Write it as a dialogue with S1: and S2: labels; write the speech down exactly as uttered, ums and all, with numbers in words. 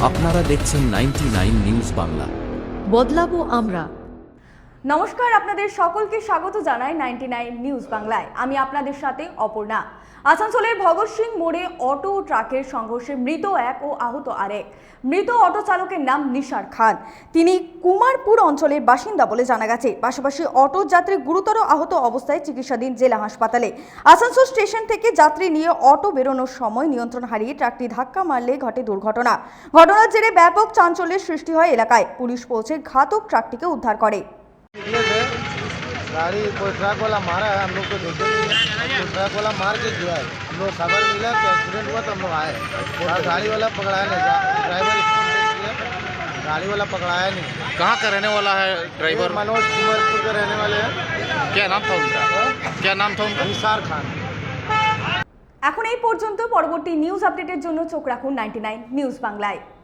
S1: আপনারা দেখছেন ninety nine news Bangla.
S2: বদলাবো আমরা।
S3: নমস্কার, আপনাদের সকলকে স্বাগত জানাই নাইনটি নাইন নিউজ বাংলায়। আমি আপনাদের সাথে অপর্ণা। আসানসোলের ভগৎ সিং মোড়ে অটো ও ট্রাকের সংঘর্ষে মৃত এক ও আহত আরেক। মৃত অটো চালকের নাম নিসার খান। তিনি কুমারপুর অঞ্চলের বাসিন্দা বলে জানা গেছে। পাশাপাশি অটো যাত্রী গুরুতর আহত অবস্থায় চিকিৎসাধীন জেলা হাসপাতালে। আসানসোল স্টেশন থেকে যাত্রী নিয়ে অটো বেরোনোর সময় নিয়ন্ত্রণ হারিয়ে ট্রাকটি ধাক্কা মারলে ঘটে দুর্ঘটনা। ঘটনার জেরে ব্যাপক চাঞ্চল্যের সৃষ্টি হয় এলাকায়। পুলিশ পৌঁছে ঘাতক ট্রাকটিকে उद्धार करे।
S4: गाड़ी कोई ट्रक वाला मारा है, हम लोग को देखे नहीं है। कोई ट्रक वाला मार के गया है। हम लोग खबर मिला कि एक्सीडेंट हुआ तो हम लोग आए। और गाड़ी वाला पकड़ाया नहीं, ड्राइवर स्कूल से किया, गाड़ी वाला पकड़ाया नहीं।
S5: कहाँ का रहने वाला है ड्राइवर?
S4: मनोज कुमारपुर के रहने वाले हैं।
S5: क्या नाम था उनका? क्या नाम था उनका?
S4: निसार खान।
S3: এখন এই পর্যন্ত। পরবর্তী নিউজ আপডেটের জন্য চোখ রাখুন নাইনটি নাইন নিউজ বাংলায়।